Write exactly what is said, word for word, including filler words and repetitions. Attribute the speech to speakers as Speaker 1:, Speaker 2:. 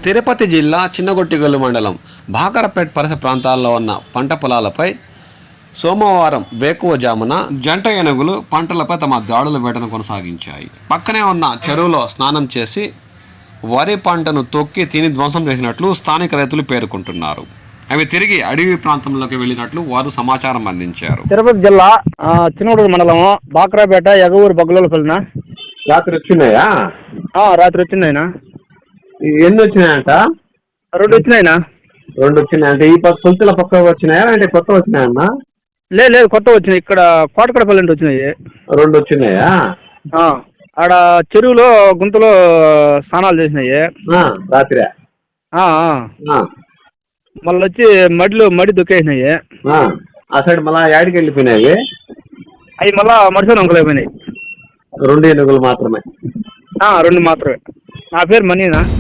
Speaker 1: తిరుపతి జిల్లా చిన్నగొట్టిగల్లు మండలం భాకరపేట్ పరిసర ప్రాంతాల్లో ఉన్న పంట పొలాలపై సోమవారం వేకువజామున జంట ఏనుగులు పంటలపై తమ దాడుల వేటను కొనసాగించాయి. పక్కనే ఉన్న చెరువులో స్నానం చేసి వరి పంటను తొక్కి తిని ధ్వంసం చేసినట్లు స్థానిక రైతులు పేర్కొంటున్నారు. అవి తిరిగి అడవి ప్రాంతంలోకి వెళ్ళినట్లు వారు సమాచారం అందించారు.
Speaker 2: తిరుపతి జిల్లా చిన్నగొట్టిగల్లు మండలం భాకరపేట ఎగవూరు బగ్గులపల్లిన
Speaker 3: రాత్రి వచ్చినాయా?
Speaker 2: రాత్రి వచ్చినాయినా.
Speaker 3: ఎన్ని వచ్చినాయంట?
Speaker 2: రెండు వచ్చినాయినా.
Speaker 3: రెండు వచ్చినాయి అంటే ఈ పక్క సొంతల పక్క వచ్చినాయా అంటే కొత్త వచ్చినాయన్నా?
Speaker 2: లేదు లేదు కొత్త వచ్చినాయి. ఇక్కడ కోటకడపల్లి అంటే వచ్చినాయి.
Speaker 3: రెండు వచ్చినాయా?
Speaker 2: ఆడ చెరువులో గుంతలో స్నానాలు చేసినాయి
Speaker 3: రాత్రి.
Speaker 2: మళ్ళీ వచ్చి మడిలో మడి దొక్కేసినాయి.
Speaker 3: ఆ సైడ్ మళ్ళా యాడికి వెళ్ళిపోయినాయి
Speaker 2: అవి మళ్ళా మడిసలు వంకలైపోయినాయి.
Speaker 3: రెండు ఏనుగులు మాత్రమే?
Speaker 2: రెండు మాత్రమే. నా పేరు మనీనా.